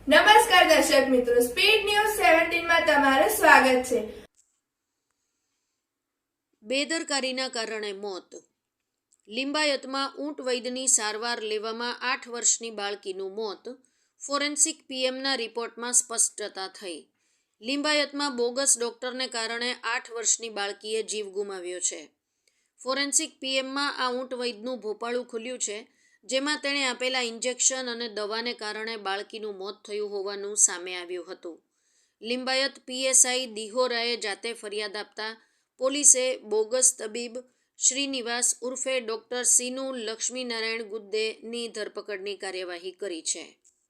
નમસ્કાર દર્શક મિત્રો, સ્પીડ ન્યૂઝ 17 માં તમારું સ્વાગત છે। બેદરકારીના કારણે મોત। લિંબાયતમાં ઊંટ વૈદ્યની સારવાર લેવામાં 8 વર્ષની બાળકીનું મોત। ફોરેન્સિક પીએમના રિપોર્ટમાં સ્પષ્ટતા થઈ। લિંબાયતમાં બોગસ ડોક્ટરને કારણે 8 વર્ષની બાળકીએ જીવ ગુમાવ્યો છે। ફોરેન્સિક પીએમમાં આ ઊંટ વૈદ્યનું ભોપાળું ખુલ્યું છે, જેમાં તેણે આપેલા ઇન્જેક્શન અને દવાને કારણે બાળકીનું મોત થયું હોવાનું સામે આવ્યું હતું। લિંબાયત પીએસઆઈ દિહોરાએ જાતે ફરિયાદ આપતા પોલીસે બોગસ તબીબ શ્રીનિવાસ ઉર્ફે ડોક્ટર સીનુ લક્ષ્મીનારાયણ ગુદ્દેની ધરપકડની કાર્યવાહી કરી છે।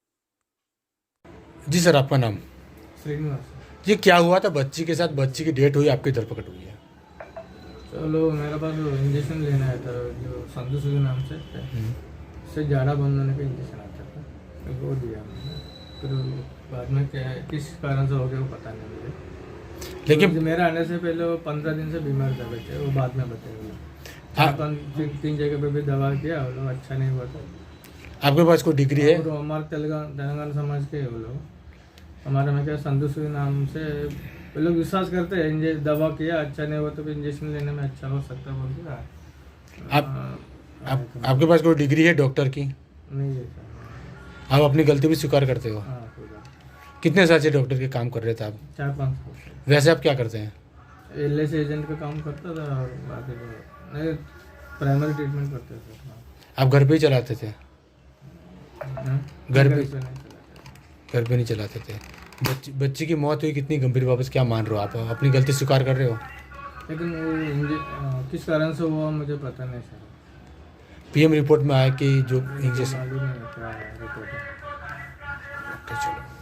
जी सर, आपका नाम? श्रीनिवास। ये क्या हुआ था बच्ची के साथ? बच्ची की डेथ हुई, आपकी धरपकड़ हुई है। चलो मेरे पास इंजेक्शन लेना आया था, जो संधू सुधू नाम से उससे झाड़ा बंद होने का इंजेक्शन आता था, वो दिया मैंने। फिर बाद में क्या किस कारण से हो गया वो पता नहीं मुझे, लेकिन मेरा आने से पहले वो 15 दिन से बीमार था बच्चे, वो बाद में बताए। 3 जगह पे भी दवा किया, वो लोग अच्छा नहीं हुआ था। आपके पास कोई डिग्री है? और हमारे तेलंगाना समाज के वो लोग हमारे में क्या संधू सुधू नाम से वो लोग विश्वास करते हैं, दवा किया अच्छा नहीं हुआ तो भी इंजेक्शन लेने में अच्छा हो सकता है बोल के आपके पास कोई डिग्री है डॉक्टर की? नहीं है सर। आप अपनी गलती भी स्वीकार करते हो? हाँ, कोई बात कितने साल से डॉक्टर के काम कर रहे थे आप? 4-5 साल से वैसे आप क्या करते हैं? एलआईसी एजेंट का काम करता था और बाकी तो नहीं, प्राइमरी ट्रीटमेंट करते थे। हाँ। आप घर पे ही चलाते थे? हाँ? घर पे नहीं चलाते। घर पे नहीं चलाते थे। बच्ची की मौत हुई, कितनी गंभीर वापस क्या मान रहे हो आप? अपनी गलती स्वीकार कर रहे हो? लेकिन वो किस कारण से हुआ मुझे पता नहीं सर। पीएम रिपोर्ट में आया कि जो इंजेक्शन। मालूम नहीं क्या रिपोर्ट है। चलो।